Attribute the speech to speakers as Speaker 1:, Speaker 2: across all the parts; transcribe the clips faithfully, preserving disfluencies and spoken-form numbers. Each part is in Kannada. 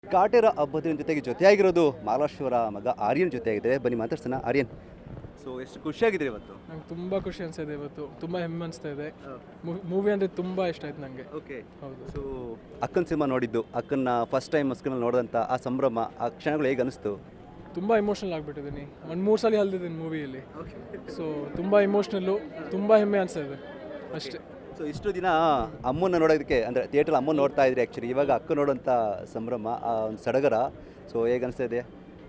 Speaker 1: ಕಾಟೇರ ಹಬ್ಬದ ಜೊತೆಗೆ ಜೊತೆಯಾಗಿರೋದು ಮಹಾರಾಷ್ಟ್ರ ಮಗ ಆರ್ಯನ್ ಜೊತೆಯಾಗಿದೆ. ಬನ್ನಿ ಮಾತಾಡ್ಸೋಣ. ಆರ್ಯನ್, ಸೊ ಎಷ್ಟು ಖುಷಿಯಾಗಿದ್ರೆ ಇವತ್ತು?
Speaker 2: ನಂಗೆ ತುಂಬ ಖುಷಿ ಅನಿಸ್ತಿದೆ ಇವತ್ತು, ತುಂಬ ಹೆಮ್ಮೆ ಅನಿಸ್ತಾ ಇದೆ. ಮೂವಿ ಅಂದರೆ ತುಂಬ ಇಷ್ಟ ಆಯ್ತು ನನಗೆ.
Speaker 1: ಓಕೆ,
Speaker 2: ಹೌದು.
Speaker 1: ಸೊ ಅಕ್ಕನ ಸಿನಿಮಾ ನೋಡಿದ್ದು, ಅಕ್ಕನ ಫಸ್ಟ್ ಟೈಮ್ ಸ್ಕ್ರೀನಲ್ಲಿ ನೋಡಿದಂಥ ಆ ಸಂಭ್ರಮ, ಆ ಕ್ಷಣಗಳು ಹೇಗೆ ಅನಿಸ್ತು?
Speaker 2: ತುಂಬ ಇಮೋಷ್ನಲ್ ಆಗಿಬಿಟ್ಟಿದ್ದೀನಿ. ಒಂದು ಮೂರು ಸಲ ಹಲ್ದಿದ್ದೀನಿ ಮೂವಿಯಲ್ಲಿ. ಸೊ ತುಂಬ ಇಮೋಷ್ನಲ್ಲು, ತುಂಬ ಹೆಮ್ಮೆ ಅನಿಸ್ತಾ ಇದೆ ಅಷ್ಟೇ.
Speaker 1: ಸೊ ಇಷ್ಟು ದಿನ ಅಮ್ಮನ ನೋಡೋದಕ್ಕೆ ಅಂದರೆ ಥಿಯೇಟ್ರಲ್ಲಿ ಅಮ್ಮನ ನೋಡ್ತಾ ಇದ್ರಿ, ಆ್ಯಕ್ಚುಲಿ ಇವಾಗ ಅಕ್ಕ ನೋಡೋಂಥ ಸಂಭ್ರಮ, ಆ ಒಂದು ಸಡಗರ, ಸೊ ಹೇಗೆ ಅನಿಸ್ತಾ ಇದೆ?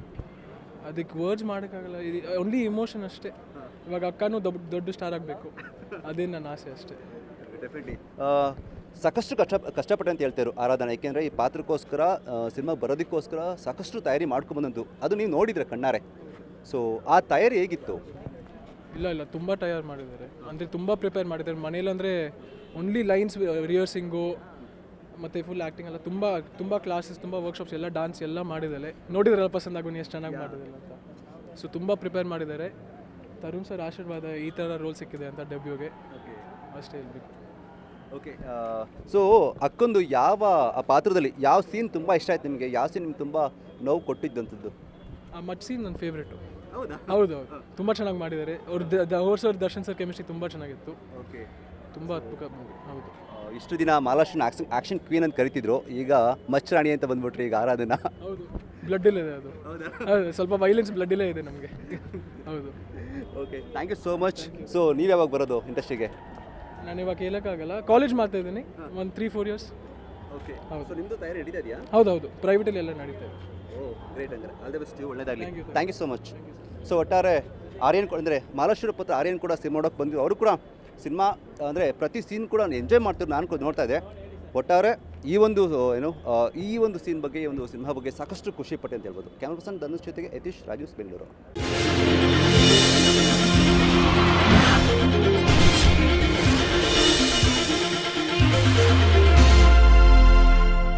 Speaker 2: ಅದಕ್ಕೆ ವರ್ಡ್ಸ್ ಮಾಡೋಕ್ಕಾಗಲ್ಲ, ಇದು ಓನ್ಲಿ ಇಮೋಷನ್ ಅಷ್ಟೇ. ಇವಾಗ ಅಕ್ಕನೂ ದೊಡ್ಡ ದೊಡ್ಡ ಸ್ಟಾರ್ ಆಗಬೇಕು, ಅದೇ ನನ್ನ ಆಸೆ ಅಷ್ಟೇ.
Speaker 1: ಡೆಫಿನೆಟ್ಲಿ ಸಾಕಷ್ಟು ಕಷ್ಟ ಕಷ್ಟಪಟ್ಟೆ ಅಂತ ಹೇಳ್ತಾರೆ ಆರಾಧನಾ, ಏಕೆಂದರೆ ಈ ಪಾತ್ರಕ್ಕೋಸ್ಕರ ಸಿನಿಮಾ ಬರೋದಕ್ಕೋಸ್ಕರ ಸಾಕಷ್ಟು ತಯಾರಿ ಮಾಡ್ಕೊಂಬಂದಂತು, ಅದು ನೀವು ನೋಡಿದ್ರೆ ಕಣ್ಣಾರೆ. ಸೊ ಆ ತಯಾರಿ ಹೇಗಿತ್ತು?
Speaker 2: ಇಲ್ಲ ಇಲ್ಲ ತುಂಬ ತಯಾರು ಮಾಡಿದ್ದಾರೆ, ಅಂದರೆ ತುಂಬ ಪ್ರಿಪೇರ್ ಮಾಡಿದ್ದಾರೆ. ಮನೇಲಂದರೆ ಓನ್ಲಿ ಲೈನ್ಸ್ ರಿಹರ್ಸಿಂಗು ಮತ್ತು ಫುಲ್ ಆ್ಯಕ್ಟಿಂಗ್ ಎಲ್ಲ ತುಂಬ ತುಂಬ ಕ್ಲಾಸಸ್, ತುಂಬ ವರ್ಕ್ಶಾಪ್ಸ್ ಎಲ್ಲ, ಡಾನ್ಸ್ ಎಲ್ಲ ಮಾಡಿದ್ದಾರೆ. ನೋಡಿದ್ರಲ್ಲ ಪಸಂದ್ ಆಗೋನು ಎಷ್ಟು ಚೆನ್ನಾಗಿ ಮಾಡಿದಿಲ್ಲ ಅಂತ. ಸೊ ತುಂಬ ಪ್ರಿಪೇರ್ ಮಾಡಿದ್ದಾರೆ. ತರುಣ್ ಸರ್ ಆಶೀರ್ವಾದ ಈ ಥರ ರೋಲ್ ಸಿಕ್ಕಿದೆ ಅಂತ ಡೆಬ್ಯೂಗೆ, ಅಷ್ಟೇ ಹೇಳ್ಬೇಕು.
Speaker 1: ಓಕೆ, ಸೊ ಅಕ್ಕೊಂದು ಯಾವ ಆ ಪಾತ್ರದಲ್ಲಿ ಯಾವ ಸೀನ್ ತುಂಬ ಇಷ್ಟ ಆಯ್ತು ನಿಮಗೆ? ಯಾವ ಸೀನ್ ನಿಮ್ಗೆ ತುಂಬ ನೋವು ಕೊಟ್ಟಿದ್ದಂಥದ್ದು?
Speaker 2: ಆ ಮಟ್ ಸೀನ್ ನನ್ನ ಫೇವ್ರೇಟು.
Speaker 1: ಹೌದಾ?
Speaker 2: ಹೌದು ಹೌದು, ತುಂಬ ಚೆನ್ನಾಗಿ ಮಾಡಿದ್ದಾರೆ ಅವ್ರು. ಅವ್ರ ಸರ್ ದರ್ಶನ್ ಸರ್ ಕೆಮಿಸ್ಟ್ರಿ ತುಂಬ ಚೆನ್ನಾಗಿತ್ತು.
Speaker 1: ಓಕೆ,
Speaker 2: ತುಂಬ ಅದ್ಭುತ ಮೂವಿ. ಹೌದು.
Speaker 1: ಇಷ್ಟು ದಿನ ಮಹಾರಾಷ್ಟ್ರನ ಆಕ್ಷನ್ ಆ್ಯಕ್ಷನ್ ಕ್ವೀನ್ ಅಂತ ಕರಿತಿದ್ರು, ಈಗ ಮಚ್ಚರಾಣಿ ಅಂತ ಬಂದ್ಬಿಟ್ರಿ ಈಗ ಆರಾಧನಾ.
Speaker 2: ಹೌದು, ಬ್ಲಡ್ ಇಲ್ಲ ಇದೆ ಅದು. ಹೌದು, ಸ್ವಲ್ಪ ವೈಲೆನ್ಸ್ ಬ್ಲಡ್ ಇಲ್ಲೇ ಇದೆ ನಮಗೆ. ಹೌದು.
Speaker 1: Okay, thank you so much. So ನೀವು ಯಾವಾಗ ಬರೋದು ಇಂಡಸ್ಟ್ರಿಗೆ?
Speaker 2: ನಾನು ಇವಾಗ ಹೇಳೋಕ್ಕಾಗಲ್ಲ, ಕಾಲೇಜ್ ಮಾಡ್ತಾ ಇದ್ದೀನಿ ಒಂದು ತ್ರೀ ಫೋರ್ ಇಯರ್ಸ್.
Speaker 1: ಓಕೆ,
Speaker 2: ಹೌದು.
Speaker 1: ಸೊ ನಿಮ್ಮದು ತಯಾರಿ ನಡೀತಾ ಇದೆಯಾ?
Speaker 2: ಹೌದು ಹೌದು, ಪ್ರೈವೇಟಲ್ಲಿ ಎಲ್ಲ ನಡೀತಾ ಇದೆ.
Speaker 1: ಓ ಗ್ರೇಟ್, ಅಂದರೆ ಆಲ್ ದ ಬೆಸ್ಟ್, ಒಳ್ಳೆಯದಾಗಲಿ.
Speaker 2: Thank you,
Speaker 1: thank you so much. So ಒಟ್ಟಾರೆ ಆರ್ಯನ್ ಅಂದರೆ ಮಹಾರಾಷ್ಟ್ರ ಪುತ್ರ ಆರ್ಯನ್ ಕೂಡ ಸಿನಿಮಾ ನೋಡೋಕೆ ಬಂದಿದ್ದು, ಅವರು ಕೂಡ ಸಿನಿಮಾ ಅಂದರೆ ಪ್ರತಿ ಸೀನ್ ಕೂಡ ಎಂಜಾಯ್ ಮಾಡ್ತಿದ್ರು, ನಾನು ಕೂಡ ನೋಡ್ತಾ ಇದ್ದೆ. ಒಟ್ಟಾರೆ ಈ ಒಂದು ಏನು ಈ ಒಂದು ಸೀನ್ ಬಗ್ಗೆ, ಈ ಒಂದು ಸಿನಿಮಾ ಬಗ್ಗೆ ಸಾಕಷ್ಟು ಖುಷಿ ಪಟ್ಟೆ ಅಂತ ಹೇಳ್ಬೋದು. ಕ್ಯಾಮ್ರಾ ಪರ್ಸನ್ ಧನುಷ್ ಜೊತೆಗೆ ಯತೀಶ್, ರಾಜೀವ್ ಬೆಂಗಳೂರು.